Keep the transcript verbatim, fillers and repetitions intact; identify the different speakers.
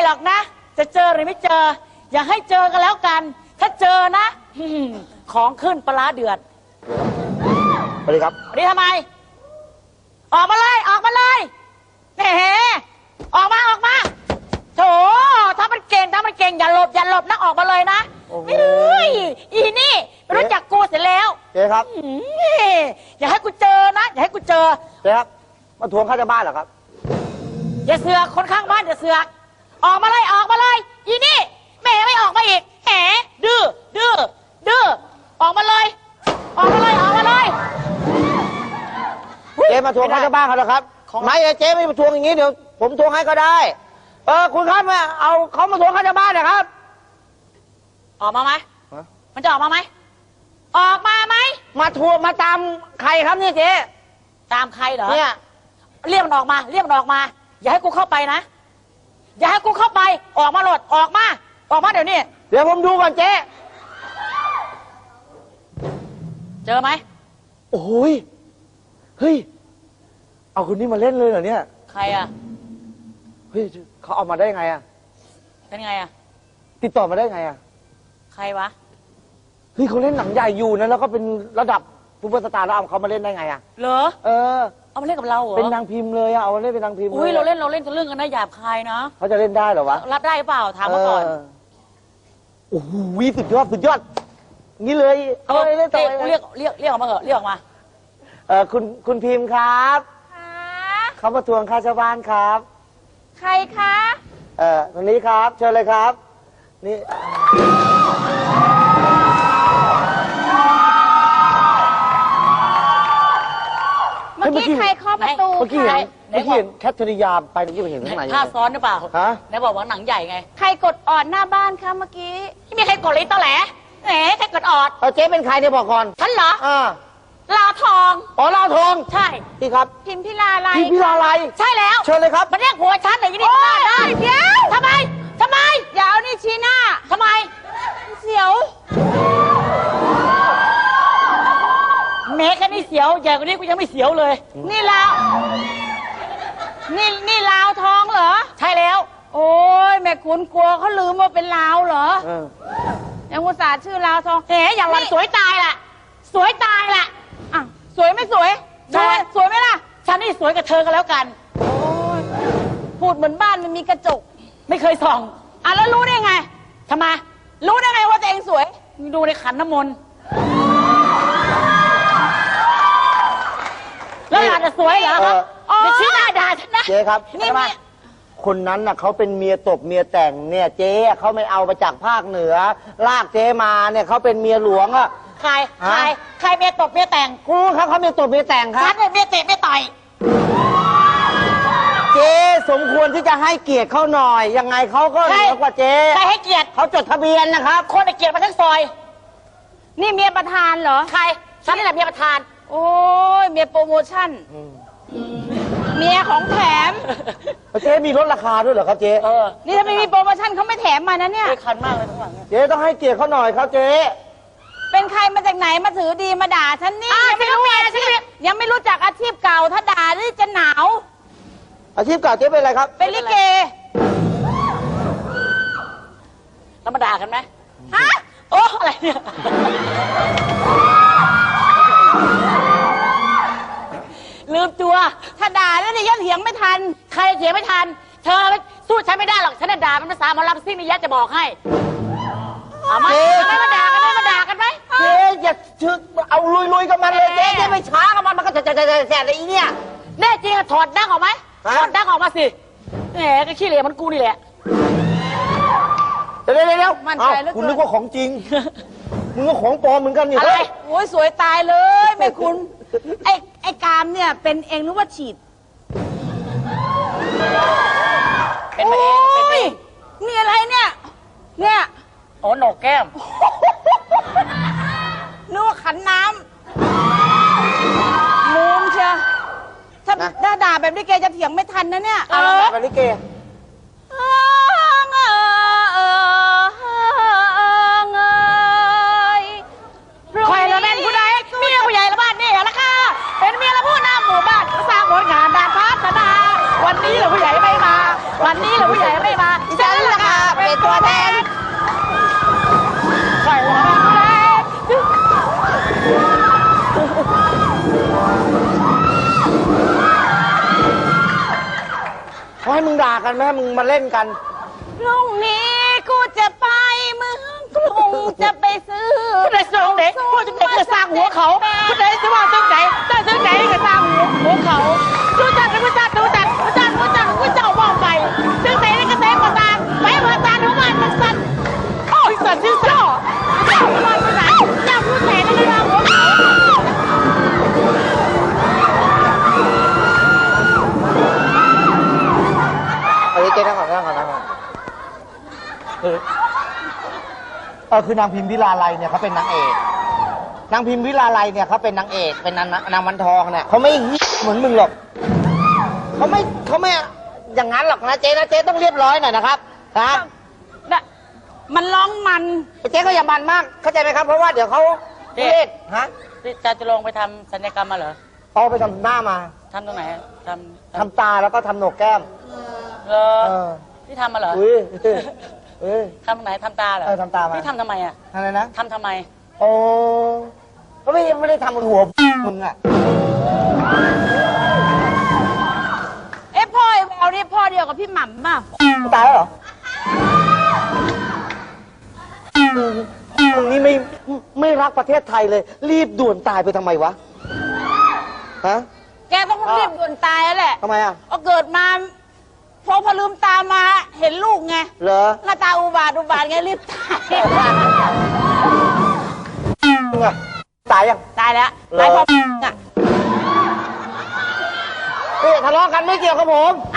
Speaker 1: หรอกนะจะเจอหรือไม่เจออย่าให้เจอกันแล้วกันถ้าเจอนะของขึ้นปลาเดือด
Speaker 2: สวัสดีครับ
Speaker 1: สวัสดีทำไมออกมาเลยออกมาเลยแหมออกมาออกมาโถถ้ามันเก่งถ้ามันเก่งอย่าหลบอย่าหลบนะออกมาเลยนะเฮ้ยอีนี่ไม่รู้จักกูเสร็จแล้ว
Speaker 2: เจ๊ครับ
Speaker 1: อย่าให้กูเจอนะอย่าให้กูเจอ
Speaker 2: เจ๊ครับมาทวงค่าเช่าบ้านเหรอครับ
Speaker 1: อย่าเสือกคนข้างบ้านอย่าเสือกออกมาเลยออกมาเลยอีนี่แม่ไม่ออกมาอีกแหมดื้อดื้อดื้อออกมาเลยออกมาเลยออกมาเลย
Speaker 2: เจ๊มาทวงค่าเช่าบ้านเขาเหรอครับไม่เจ๊ไม่มาทวงอย่างนี้เดี๋ยวผมทวงให้ก็ได้เออคุณครับมาเอาเขามาทวงค่าเช่าบ้านนะครับ
Speaker 1: ออกมาไหมมันจะออกมาไหมออกมาไหม
Speaker 2: มาทวงมาตามใครครับเนี่ยเจ๊
Speaker 1: ตามใครเหรอ
Speaker 2: เนี่ย
Speaker 1: เรียกมันออกมาเรียกมันออกมาอย่าให้กูเข้าไปนะอย่าให้กูเข้าไปออกมาโหลดออกมาออกมาเดี๋ยวนี้
Speaker 2: เดี๋ยวผมดูก่อนเจ๊
Speaker 1: เจอไหม
Speaker 2: โอ้ยเฮ้ยเอาคนนี้มาเล่นเลยเหรอเนี่ย
Speaker 1: ใครอ่ะ
Speaker 2: เฮ้ยเขาเอามาได้ไงอ่ะ
Speaker 1: เป็นไงอ่ะ
Speaker 2: ติดต่อมาได้ไงอ่ะ
Speaker 1: ใครวะ
Speaker 2: เฮ้ยเขาเล่นหนังใหญ่อยู่นะแล้วก็เป็นระดับซูเปอร์สตาร์แล้วเอาเขามาเล่นได้ไงอ่ะ
Speaker 1: เหรอ
Speaker 2: เออ
Speaker 1: เอามาเล่นกับเราเหรอ
Speaker 2: เป็นนางพิมพ์เลยอ่ะเอามาเล่นเป็นนางพิมพ์
Speaker 1: อุ้ยเราเล่นเราเล่นกันเรื่องกันนะหยาบคายนะ
Speaker 2: เขาจะเล่นได้เหรอวะ
Speaker 1: รับได้เปล่าถามมาก่อน
Speaker 2: โอ้โหสุดยอดสุดยอดนี่เลย
Speaker 1: เออเรียกเรียกเรียกเรียกออกมาเหอะเรียกออกมา
Speaker 2: เออคุณคุณพิมพ์ครับเขามาทวงค่าเช่าบ้านครับ
Speaker 3: ใครคะ
Speaker 2: เออตรงนี้ครับเชิญเลยครับนี่
Speaker 3: เมื่อกี้ใครเคาะประตู
Speaker 2: เมื่อกี้เห็นเมื่อกี้เห็นแคทเธอรียาไปเมื่อกี้เห็นข้างใน
Speaker 1: ท่าซ้อนหรือเปล่า
Speaker 2: ฮะ
Speaker 1: ไหนบอกว่าหนังใหญ่ไง
Speaker 3: ใครกดออดหน้าบ้านคะเมื่อกี้
Speaker 1: ไม่มีใครกดเลยตอแหลแหมใครกดออด
Speaker 2: เออเจ๊เป็นใครเนี่ยบอกก่อน
Speaker 1: ฉันเหรอ
Speaker 2: อ่า
Speaker 1: ลาวทอง
Speaker 2: อ๋อลาวทอง
Speaker 1: ใช่
Speaker 2: พี่ครับ
Speaker 3: พิมพิลาไล
Speaker 2: พิมพิลาไล
Speaker 1: ใช่แล้ว
Speaker 2: เชิญเลยครับ
Speaker 1: มันเรียกหัวฉันอย่างนี้ได้ได้
Speaker 3: เดี๋ยว
Speaker 1: ทำไมทำไม
Speaker 3: อย่าเอานี่ชี้หน้า
Speaker 1: ทำไม
Speaker 3: เสียว
Speaker 1: แม้แค่นี้เสียวใหญ่กว่านี้กูยังไม่เสียวเลย
Speaker 3: นี่ลาวนี่นี่ลาวทองเหรอ
Speaker 1: ใช่แล้ว
Speaker 3: โอ้ยแม่คุณกลัวเขาลืมว่าเป็นลาวเหรอยังอุตส่าห์ชื่อลาวทอง
Speaker 1: เอ๋อย่างวันสวยตายแหละสวยตายแหละ
Speaker 3: อ่ะสวยไม่สวยสวยสวยไหมล่ะ
Speaker 1: ฉันนี่สวยกับเธอกันแล้วกัน
Speaker 3: โอ้ยพูดเหมือนบ้านมันมีกระจก
Speaker 1: ไม่เคยส่อง
Speaker 3: อ่ะแล้วรู้ได้ไง
Speaker 1: ทำไม
Speaker 3: รู้ได้ไงว่าตัวเองสวย
Speaker 1: ดูในขันน้ำมนต์แล้วอาจจะสวยเหรอครับจะชี้หน้าด่าฉันนะ
Speaker 2: เจ๊ครับนี่มาคนนั้นน่ะเขาเป็นเมียตบเมียแต่งเนี่ยเจ๊เขาไม่เอามาจากภาคเหนือลากเจ๊มาเนี่ยเขาเป็นเมียหลวงอ่ะ
Speaker 1: ใครใครใครเมียตบเมียแต่ง
Speaker 2: กูครับเขาเมียตบเมียแต่งครับ
Speaker 1: ฉันเนี่ยเมียเตะเมียต่อย
Speaker 2: เจ๊สมควรที่จะให้เกียรติเขาหน่อยยังไงเขาก็เหนือกว่าเจ๊
Speaker 1: ใครให้เกียรติ
Speaker 2: เขาจดทะเบียนนะครับ
Speaker 1: คนให้เกียรติมาทั้งซอย
Speaker 3: นี่เมียประธานเหรอ
Speaker 1: ใครฉันนี่แหละเมียประธาน
Speaker 3: โอ้ยเมียโปรโมชั่นเมียของแถม
Speaker 2: เจ๊มีลดราคาด้วยเหรอครับเจ๊
Speaker 1: เออ
Speaker 3: นี่ถ้าไม่มีโปรโมชั่นเขาไม่แถมมานะเนี่ย
Speaker 1: เจ๊คันมากเลยทั้งหลัง
Speaker 2: เจ๊ต้องให้เกียรติเขาหน่อยครับเจ๊
Speaker 3: เป็นใครมาจากไหนมาถือดีมาด่าฉันนี่
Speaker 1: ยังไม่รู้อาชีพ
Speaker 3: ยังไม่รู้จักอาชีพเก่าถ้าด่านี่จะหนาว
Speaker 2: อาชีพเก่าเจ๊เป็นอะไรครับ
Speaker 3: เป็นลิเก
Speaker 1: แล้วมาด่ากันไหมฮะโอ้อะไรเนี่ยลืมตัว
Speaker 3: ถ้าด่าแล้วเนี่ยยันเถียงไม่ทัน
Speaker 1: ใครเถียงไม่ทันเธอสู้ฉันไม่ได้หรอกฉันด่าเป็นภาษาหมอลำซิ่งนี่ยัดจะบอกให้เอามาไม่มาด่ากันไหมมาด่ากันไหม
Speaker 2: เจ๊อย่าชึกเอาลุยๆกับมันเลยเจ๊เจ๊ไม่ช้ากับมันมันก็จะจะจะจะแสบอะไรอีเนี่ย
Speaker 1: แน่จริงอะถอดดั้งออกไหมถอดดั้งออกมาสิแหมก็ขี้เหร่มันกูนี่แหละ
Speaker 2: เดี๋ยวเดี๋ยวเดี๋ยวคุณนึกว่าของจริงมึงก็ของปลอมเหมือนกันนี่
Speaker 3: อะไรโอ้ยสวยตายเลยแม่คุณไอ้ไอ้กามเนี่ยเป็นเองหรือว่าฉีด
Speaker 1: เป็นมาเองเป็นเอง
Speaker 3: นี่อะไรเนี่ยเนี่ย
Speaker 1: โอ้หนกแก้ม
Speaker 3: นึกว่าขันน้ำมุมเชียวถ้าถ้าด่าแบบนี้แกจะเถียงไม่ทันนะเนี่ย
Speaker 2: เออแบบนี้แก
Speaker 1: ใครละแม่นผู้ใดเมียผู้ใหญ่ละบ้านนี่ละค่ะเป็นเมียละผู้นำหมู่บ้านสร้างผลงานด้านพัฒนาวันนี้ละผู้ใหญ่ไม่มาวันนี้ละผู้ใหญ่ไม่มาจะ
Speaker 2: เป็นตัวแทน
Speaker 1: ไปวะ
Speaker 2: เขาให้มึงด่ากันไหมให้มึงมาเล่นกัน
Speaker 3: พรุ่งนี้กูจะไปเมืองกรุงจะไปซื้อ
Speaker 1: ผู้ใดส่งเด็กผู้จะเด็กก็สร้างหัวเขาผู้ใดจะว่าตึ้งไหนตั้งตึ้งไหนก็สร้างหัวหัวเขาดูจัดดูจัดดูจัดดูจัดดูจัดดูเจ้ามองไปตึ้งไหนก็เต็มประตานไปประตานทุกวันมันสั่นโอ้ยสั่นชื่อเจ้าเจ้าลอยไปไหนเจ้าผู้แทนในเรื่องหัวเขา
Speaker 2: เอาเจ๊นั่งก่อนนั่งก่อนนั่งก่อนเออเออคือนางพิมพิลาไลเนี่ยเขาเป็นนางเอก นางพิมพิลาไลเนี่ยเขาเป็นนางเอก เป็นนางนางวันทองเนี่ยเขาไม่เหมือนมึงหรอกเขาไม่เขาไม่อย่างนั้นหรอกนะเจ๊นะเจ๊ต้องเรียบร้อยหน่อยนะครับนะ
Speaker 3: น่ะมันร้องมัน
Speaker 2: เจ๊ก็อย่ามันมากเข้าใจไหมครับ เพราะว่าเดี๋ยวเขาเล่นฮะ
Speaker 1: ที่จะจะลงไปทำศัลยกรรมมาเหรอ
Speaker 2: เอาไปทำหน้ามา
Speaker 1: ทำตรงไหนทำ
Speaker 2: ทำตาแล้วก็ทำโหนกแก้ม
Speaker 1: เหรอ
Speaker 2: เออ
Speaker 1: ที่ทำมาเหรอ
Speaker 2: อุ้ยเอ้ย
Speaker 1: ทำตรงไหนทำตาเหรอ
Speaker 2: เออทำตามา
Speaker 1: ที่ทำทำไมอ่ะ
Speaker 2: อะไรนะ
Speaker 1: ทำทำไม
Speaker 2: โอ้ก็ไม่ไม่ได้ทำบนหัวมึงอ่ะ
Speaker 3: เอ๊ะพ่อไอ้แววนี่พ่อเดียวกับพี่หม่ำป่ะ
Speaker 2: ตายแล้วเหรอมึงนี่ไม่ไม่รักประเทศไทยเลย รีบด่วนตายไปทำไมวะ ฮะ
Speaker 3: แกต้องรีบด่วนตายแล้วแหละ
Speaker 2: ทำไมอ่ะ
Speaker 3: เอาเกิดมาพอพอลืมตามาเห็นลูกไง
Speaker 2: เหรอ
Speaker 3: หน้าตาอุบาทอุบาทไงรีบตาย
Speaker 2: มึงอ่ะ ตายยัง
Speaker 3: ตายแล้ว
Speaker 2: เหรอ
Speaker 3: ตายพออ่ะ
Speaker 2: เฮ้ยทะเลาะกันไม่เกี่ยวกับผม
Speaker 3: อ